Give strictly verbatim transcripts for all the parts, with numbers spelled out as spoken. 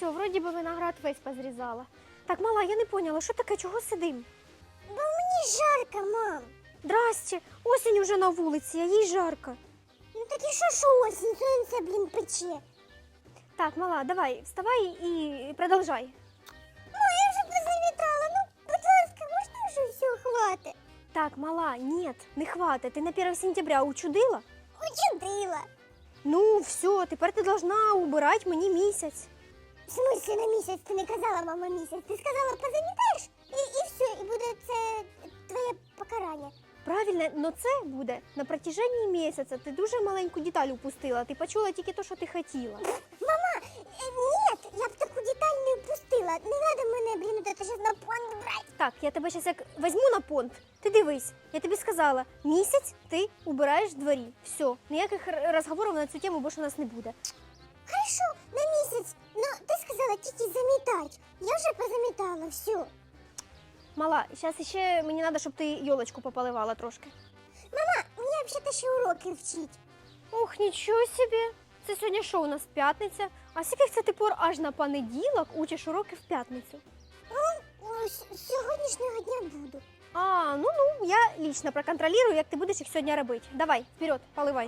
все, вроді би виноград весь позрізала. Так, мала, я не поняла, що таке, чого сидим? Бо мені жарко, мам. Здрасте, осінь уже на вулиці, а їй жарко. Ну так і що, що осінь, сонце, блін, пече. Так, мала, давай, вставай і продовжай. Ну, я вже позамітала, ну, будь ласка, можна вже все, хватить? Так, мала, нет, не хватит. Ти на перше сентября учудила? Учудила. Ну, все, тепер ти должна убирати мені місяць. В смысле на місяць? Ти не казала, мама, місяць. Ти сказала, позамітаєш, і, і все, і буде це твоє покарання. Правильно, но це буде на протяжении місяця. Ти дуже маленьку деталь упустила. Ти почула тільки те, що ти хотіла. Мама, е, ні, я б таку деталь не впустила. Не треба мене, блін, от це щас на понт брати. Так, я тебе зараз як візьму на понт. Ти дивись, я тобі сказала, місяць ти убираєш в дворі. Все, ніяких р- розговорів на цю тему більше у нас не буде. Хорошо, на місяць. Ну, ти сказала тільки замітати. Я вже позамітала, все. Мала, зараз ще мені треба, щоб ти йолочку пополивала трошки. Мама, мені взагалі ще уроки вчить. Ох, нічого собі. Це сьогодні що у нас п'ятниця? А скільки це ти пор аж на понеділок учиш уроки в п'ятницю? Ну, з сьогоднішнього дня буду. А, ну ну, я лично проконтролирую, як ти будеш їх сьогодні робити. Давай, вперед, поливай.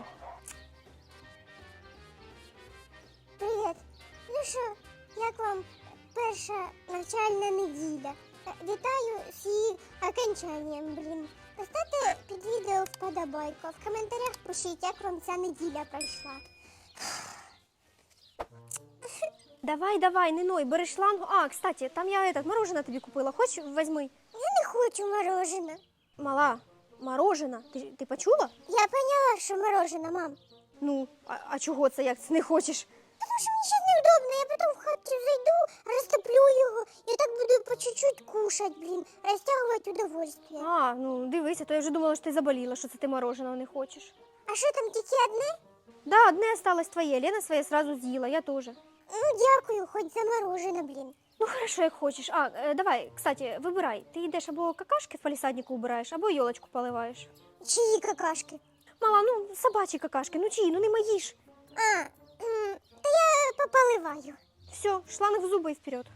Привіт. Ну що, як вам перша навчальна неділя? Е, Вітаю з її окончанням, блін. Поставте під відео вподобайку, а в коментарях пишіть, як вам ця неділя пройшла. Давай, давай, не ной, бери шлангу. А, кстати, там я этот, мороженое тобі купила. Хочеш, візьми. Я не хочу мороженое. Мала, мороженое. Ти, ти почула? Я поняла, що мороженое, мам. Ну, а, а чого це, як це не хочеш? Тому що мені ще неудобно, я потім в хаті зайду, розтоплю його, і так буду по чуть-чуть кушать, блін, розтягувати удовольствие. А, ну дивися, то я вже думала, що ти заболіла, що це ти мороженого не хочеш. А що там, тільки одне? Да, одне осталось твоє, Лена своє сразу з'їла, я теж. Ну, дякую, хоч за мороженое, блін. Ну хорошо, як хочеш. А, е, давай, кстати, вибирай. Ти йдеш або какашки в палісаднику убираєш, або йолочку поливаєш. Чиї какашки? Мала, ну собачі какашки, ну чиї, ну не мої ж. А, м, та я пополиваю. Все, шланг в зуби і вперед.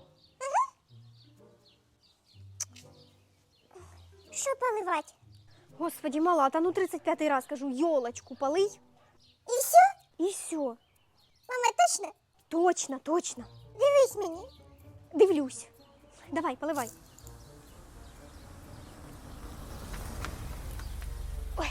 Що поливати? Господи, мала, та ну тридцять п'ятий раз кажу, йолочку полий І все? і все. Мама, точно? Точно, точно. Дивись мені. Дивлюсь. Давай, поливай. Ой,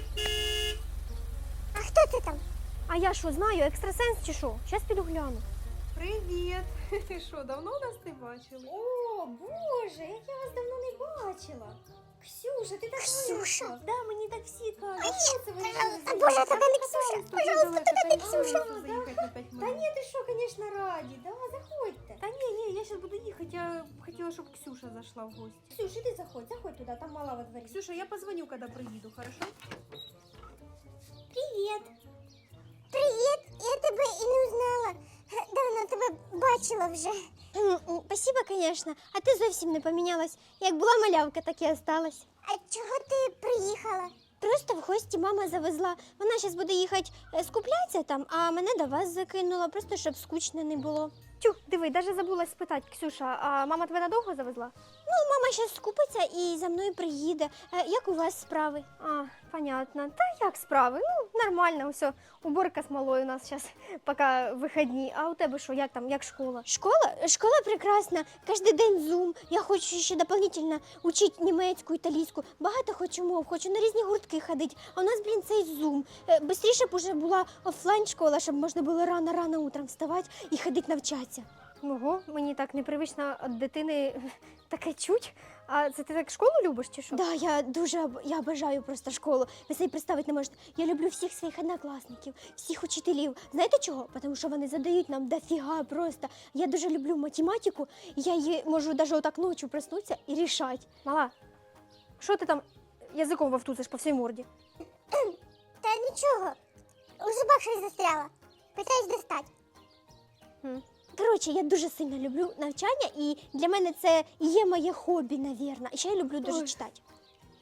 А хто це там? а я що, знаю, екстрасенс чи що? Щас піду гляну. Привіт! Ти що, давно нас не бачили? О, Боже, як я вас давно не бачила. Ксюша, ти так Ксюша? виросла. Да, мені так всі кажуть. Ай, Що це ви пожалуйста, робите? Боже, Так, тільки не так, Ксюша, так. пожалуйста, тільки не Ксюша. Заїхати на п'ять Та минут. ні, ти що, звісно, раді. Да, заходьте. Та ні, ні, я зараз буду їхати. Я хотіла, щоб Ксюша зайшла в гості. Ксюш, іди заходь, заходь туди, там мала во дворі. Ксюша, я позвоню, коли приїду, хорошо? Привіт. Привіт, я тебе і не узнала. Давно тебе бачила вже. Спасибо, звісно. А ти зовсім не помінялась. Як була малявка, так і осталась. А чого ти приїхала? Просто в гості мама завезла. Вона зараз буде їхати е, скуплятися там, а мене до вас закинула, просто щоб скучно не було. Тю, диви, навіть забула спитати, Ксюша, а мама тебе надовго завезла? Ну, мама зараз скупиться і за мною приїде. Е, як у вас справи? А, понятно. Та як справи? Ну, нормально, все. Уборка з малою у нас зараз, поки вихідні. А у тебе що, як там, як школа? Школа? Школа прекрасна. Кожен день зум. Я хочу ще дополнительно учити німецьку, італійську. Багато хочу мов, хочу на різні гуртки ходити. А у нас, блін, цей зум. Е, Бистріше б уже була офлайн школа, щоб можна було рано-рано утром вставати і ходити навчатися. Ого, мені так непривично від дитини таке чуть. А це ти так школу любиш чи що? Да, я дуже об- я бажаю просто школу. Ви собі представити не можете. Я люблю всіх своїх однокласників, всіх учителів. Знаєте чого? Тому що вони задають нам дофіга просто. Я дуже люблю математику, і я її можу навіть отак ночі проснутися і рішати. Мала, що ти там язиком вовтузиш по всій морді? Та нічого. У зубах щось застряло. Питаюсь достати. Хм. Коротше, я дуже сильно люблю навчання, і для мене це і є моє хобі, навірно. І ще я люблю дуже Ой. читати.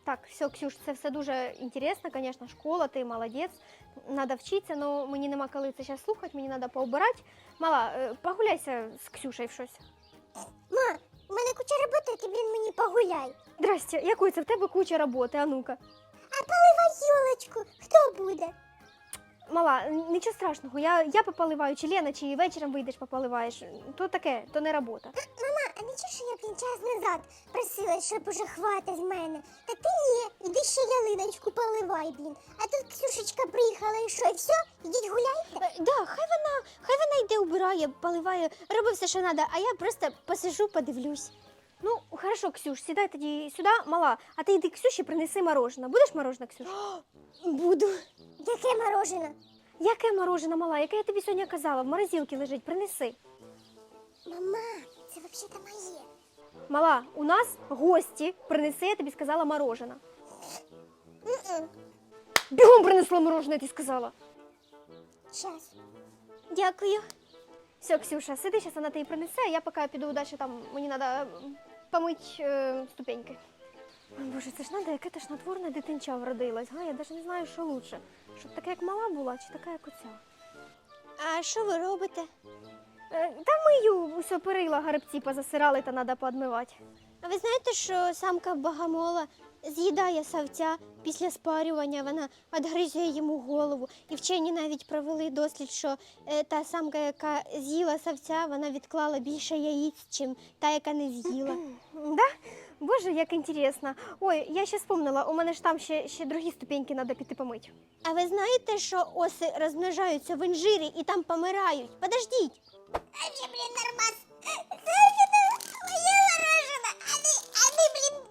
Так, все, Ксюш, це все дуже інтересно, звісно, школа, ти молодець. Надо вчитися, але мені нема коли це зараз слухати, мені треба поубирати. Мала, е, погуляйся з Ксюшею в щось. Ма, у мене куча роботи, ти, блін, мені погуляй. Здрасте, якої це в тебе куча роботи, а ну-ка. А поливай ёлочку, хто буде? Мала, нічого страшного, я, я пополиваю, чи Лена, чи вечором вийдеш пополиваєш. То таке, то не робота. Мама, а нічого, що я, блін, час назад просила, щоб уже хватить з мене? Та ти ні, іди ще ялиночку поливай, блін. А тут Ксюшечка приїхала і що, і все? Ідіть гуляйте? Е, Да, хай вона, хай вона йде, убирає, поливає, робить все, що треба, а я просто посижу, подивлюсь. Ну, хорошо, Ксюш, сідай тоді сюди, мала, а ти йди Ксюші, принеси мороженое. Будеш мороженое, Ксюш? Буду. Яке морожене? Яке мороженое, мала? Яке я тобі сьогодні казала? В морозилці лежить, принеси. Мама, це взагалі-то моє. Мала, у нас гості, принеси, я тобі сказала, мороженое. М-м, Бігом принесла мороженое, ти сказала. щас. Дякую. Все, Ксюша, сиди, зараз вона тобі принесе, а я поки піду далі, там мені треба помити е, ступеньки. Ой, Боже, це ж треба, яке ти ж натворне дитинча вродилась, га? Я навіть не знаю, що лучше. Щоб така, як мала була, чи така, як оця. А що ви робите? Е, та мию, усе перила, гарбці позасирали, та треба поодмивати. А ви знаєте, що самка богомола з'їдає савця після спарювання, вона відгризує йому голову. І вчені навіть провели дослід, що е, та самка, яка з'їла савця, вона відклала більше яїць, чим та, яка не з'їла. Да? Боже, як інтересно. Ой, я ще вспомнила, у мене ж там ще, ще другі ступеньки треба піти помити. А ви знаєте, що оси розмножаються в інжирі і там помирають? Подождіть. А вже, блін, нормас. Моє морожене, а не, а не, блін.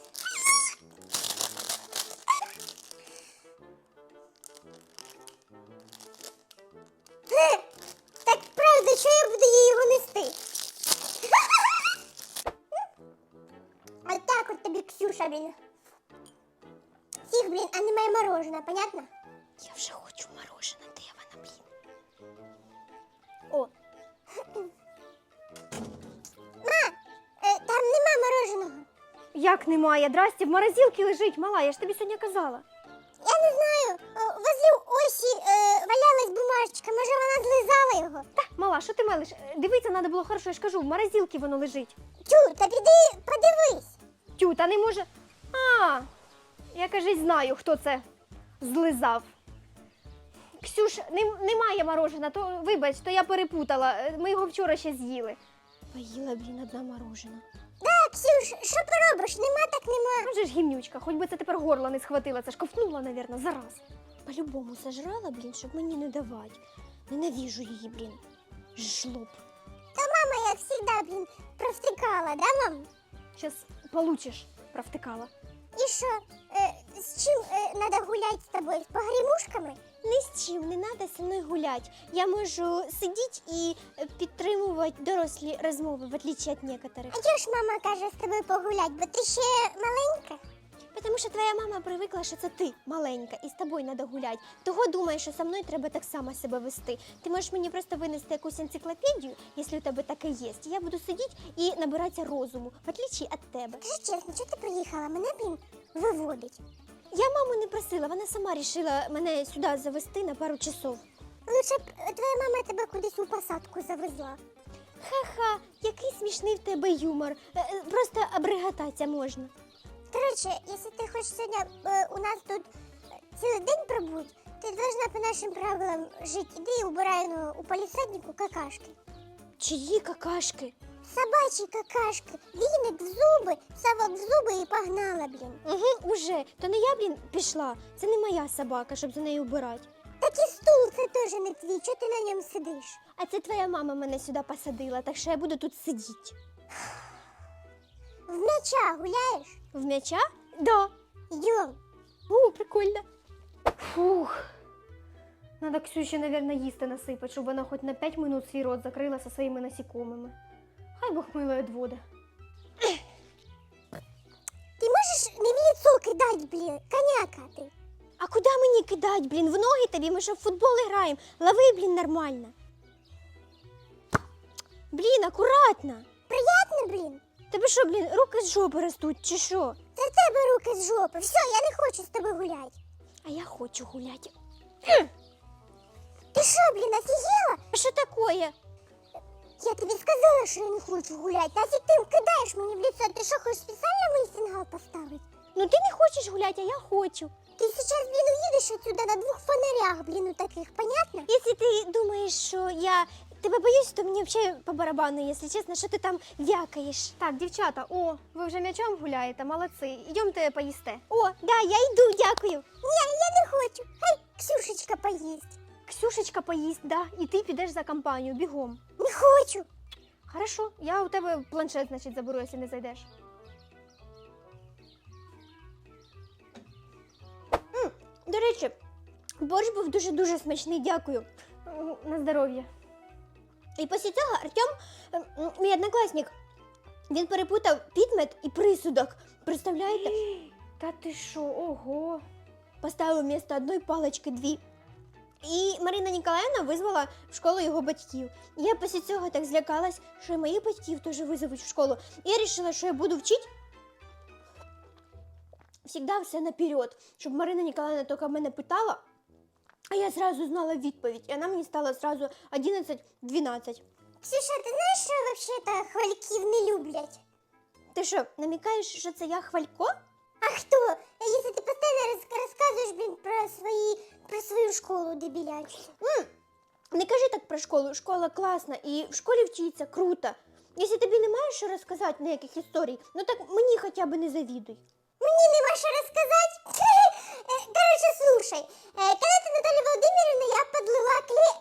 Так правда, що я буду їй його нести? Отак от тобі, Ксюша, блін. Всіх, блін, а немає мороженого, понятно? Я вже хочу мороженое, де вона, блін? О, Е, там нема мороженого. як немає? Здрасте, в морозилці лежить, мала, я ж тобі сьогодні казала. Я не знаю, е, возле осі е, валялась бумажечка, може вона злизала його? Та, мала, що ти мелиш? Е, Дивитися треба було хорошо, я ж кажу, в морозилці воно лежить. Тю, та піди подивись. Тю, та не може. А, я, кажись, знаю, хто це злизав. Ксюш, нем- немає морожена, то вибач, то я перепутала. Е, Ми його вчора ще з'їли. Поїла, блін, одна морожена. Да, Ксюш, що поробиш? Нема так нема. Може ж гімнючка, хоч би це тепер горло не схватила, це ж ковтнула, навірно, зараз. По-любому сожрала, блін, щоб мені не давати. Ненавижу її, блін. Жлоб. Та мама, як завжди, блін, провтикала, да, мам? Щас получиш, провтикала. І що, е, з чим е, надо гуляти з тобою? З погрімушками? Ні з чим, не треба зі мною гуляти. Я можу сидіти і е, підтримувати дорослі розмови, в отличие від некоторих. А чого ж мама каже з тобою погуляти, бо ти ще маленька? Тому що твоя мама привикла, що це ти маленька, і з тобою треба гуляти. Того думає, що со мною треба так само себе вести. Ти можеш мені просто винести якусь енциклопедію, якщо у тебе таке є. І я буду сидіти і набиратися розуму, в отличие від тебе. Скажи чесно, чого ти приїхала? Мене, блін, виводить. Я маму не просила, вона сама вирішила мене сюди завести на пару часов. Лучше б е, твоя мама тебе кудись у посадку завезла. Ха-ха, який смішний в тебе юмор. Е, е, Просто обригататися можна. Короче, якщо ти хочеш сьогодні е, у нас тут е, цілий день пробути, ти должна по нашим правилам жити. Іди і убирай ну, у полісаднику какашки. Чиї какашки? Собачі какашки. Віник в зуби, совок в зуби і погнала, блін. Угу, уже. То не я, блін, пішла. Це не моя собака, щоб за нею убирати. Так і стул це теж не твій. Чого ти на ньому сидиш? А це твоя мама мене сюди посадила, так що я буду тут сидіти. В м'яча гуляєш? В м'яча? Да. Йдем. О, прикольно. Фух. Надо Ксюші, наверное, їсти насипати, щоб вона хоч на п'ять минут свій рот закрила со своїми насікомими. Хай Бог мило відводи. Ти можеш не в лицо кидати, блін, коняка ти. А куди мені кидати, блін? В ноги тобі, ми що в футбол граємо. Лови, блін, нормально. Блін, акуратно. Приятно, блін? Тебе що, блін, руки з жопи ростуть, чи що? Це в тебе руки з жопи. Все, я не хочу з тобою гуляти. А я хочу гуляти. Ти що, блін, офігела? А що таке? Я тобі сказала, що я не хочу гуляти. Нафіг ти кидаєш мені в лицо. Ти що, хочеш спеціально мені сигнал поставити? Ну ти не хочеш гуляти, а я хочу. Ти зараз, блін, уїдеш отсюда на двох фонарях, блін, у таких, понятно? Якщо ти думаєш, що я тебе боюсь, то мені взагалі по барабану, якщо чесно, що ти там вякаєш. Так, дівчата, о, ви вже м'ячом гуляєте, молодці. Йдемте поїсте. О, да, я йду, дякую. Ні, я не хочу. Хай Ксюшечка поїсть. Ксюшечка поїсть, да, і ти підеш за компанію, бігом. Не хочу. Хорошо, я у тебе планшет, значить, заберу, якщо не зайдеш. М, До речі, борщ був дуже-дуже смачний, дякую. М, На здоров'я. І після цього Артем, м, м, мій однокласник, він перепутав підмет і присудок. Представляєте? Та ти що, ого. Поставив вместо одної палички дві. І Марина Ніколаївна визвала в школу його батьків. І я після цього так злякалась, що і моїх батьків теж визовуть в школу. І я вирішила, що я буду вчити завжди все наперед, щоб Марина Ніколаївна тільки мене питала, а я зразу знала відповідь. І вона мені стала зразу одинадцять дванадцять. Ксюша, ти знаєш, що взагалі-то хвальків не люблять? Ти що, намікаєш, що це я хвалько? А хто? Якщо ти постійно роз- розказуєш, блін, про свої, про свою школу дебілячу. М, Не кажи так про школу. Школа класна і в школі вчиться круто. Якщо тобі немає що розказати ніяких історій, ну так мені хоча б не завідуй. Мені нема що розказати. Е, Короче, слушай, е, коли ти, Наталя Володимирівна, я подлила клей...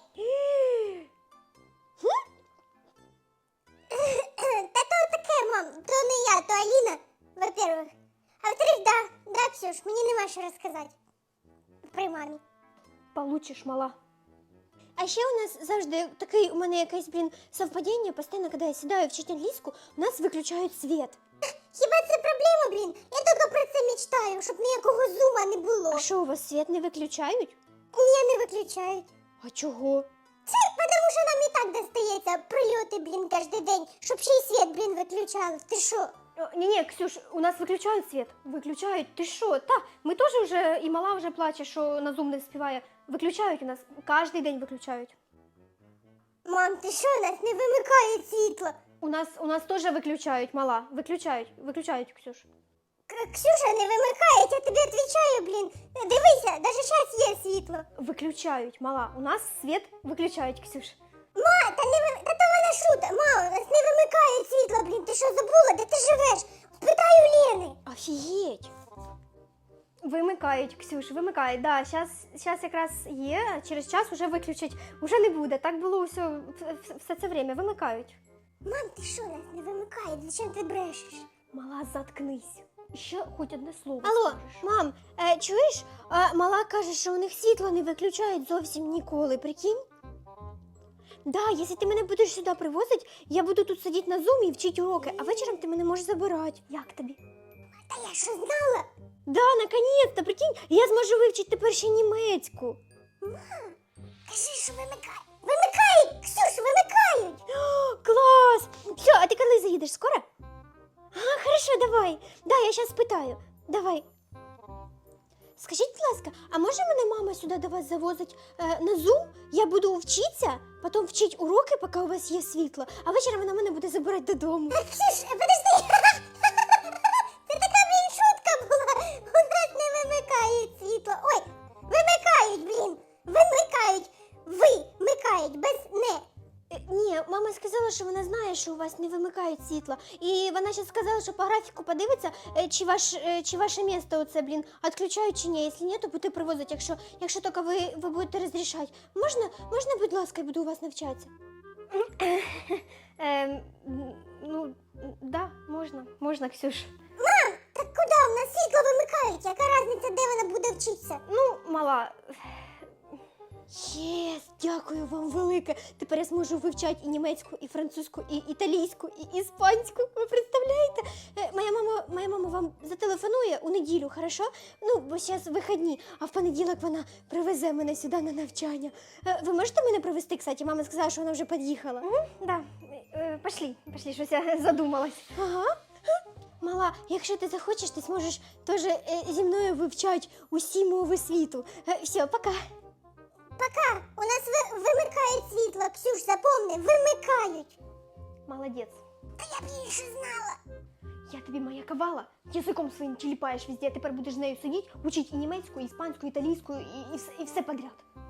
Та то таке, мам, то не я, то Аліна, во-первых. А во-вторых, да, да, Ксюш, мені нема що розказати. При мамі. Получиш, мала. А ще у нас завжди такий, у мене якесь, блін, совпадіння, постійно, коли я сідаю вчити англійську, у нас виключають світ. Хіба це проблема, блін? Я тільки про це мечтаю, щоб ніякого зума не було. А що, у вас світ не виключають? Ні, не виключають. А чого? Це тому, що нам і так достається прильоти, блін, кожен день, щоб ще й світ, блін, виключали. Ти що? Ні-ні, Ксюш, у нас виключають світ. Виключають. Ти що? Та, ми теж вже, і мала вже плаче, що на Zoom не співає. Виключають у нас, кожен день виключають. Мам, ти що, нас не вимикають світло? У нас, у нас теж виключають, мала. Виключають, виключають, Ксюш. К- Ксюша, не вимикають, я тобі відповідаю, блін. Дивися, навіть зараз є світло. Виключають, мала. У нас світ виключають, Ксюш. Ма, та не ви- та то вона шута. Ма, у нас не вимикають світло, блін. Ти що забула, де ти живеш? Спитай у Лени. Офігеть. Вимикають, Ксюш, вимикають. Да, щас, щас якраз є, а через час вже виключать. Уже не буде. Так було все, все, все це время. Вимикають. Мам, ти що, нас не вимикають? Зачем ти брешеш? Мала, заткнись. Ще хоч одне слово. Алло, мам, е, чуєш? Е, мала каже, що у них світло не виключають зовсім ніколи, прикинь? Да, якщо ти мене будеш сюди привозити, я буду тут сидіти на зумі і вчити уроки, а вечором ти мене можеш забирати. Як тобі? Та я що знала? Да, наконец-то, прикинь, я зможу вивчити тепер ще німецьку. Кажи, що вимикають. Вимикають, Ксюш, вимикають. О, клас! Все, а ти коли заїдеш? Скоро? А, хорошо, давай. Да, я зараз спитаю. Давай. Скажіть, будь ласка, а може мене мама сюди до вас завозить е, на Zoom? Я буду вчитися, потім вчити уроки, поки у вас є світло, а вечором вона мене буде забирати додому. Ксюш, подожди. Це така, блін, шутка була. У нас не вимикають світло. Ой, вимикають, блін. Вимикають. Вимикають, без не. Е, Ні, мама сказала, що вона знає, що у вас не вимикають світло. І вона ще сказала, що по графіку подивиться, е, чи, ваш, е, чи ваше місто оце, блін, відключають чи ні. Якщо ні, то буде привозити, якщо, якщо тільки ви, ви будете розрішати. Можна, можна, будь ласка, я буду у вас навчатися? Ем, ну, да, можна, можна, Ксюш. Мам, так куди? У нас світло вимикають. Яка різниця, де вона буде вчитися? Ну, мала. Єс, дякую вам велике. Тепер я зможу вивчати і німецьку, і французьку, і італійську, і іспанську. Ви представляєте? Е, Моя мама, моя мама вам зателефонує у неділю, хорошо? Ну, бо зараз вихідні, а в понеділок вона привезе мене сюди на навчання. Е, Ви можете мене привезти, кстати? Мама сказала, що вона вже під'їхала. Угу, да. Е, Пошли, пошли, щось я задумалась. Ага. Мала, якщо ти захочеш, ти зможеш теж е, зі мною вивчати усі мови світу. Е, все, пока. Пока, у нас ви- вимикають світло, Ксюш, запомни, вимикають. Молодець. Та я більше знала. Я тобі моя кавала, язиком своїм тіліпаєш везде, тепер будеш з нею сидіти, учить і німецьку, і іспанську, і італійську, і, і, вс- і все подряд.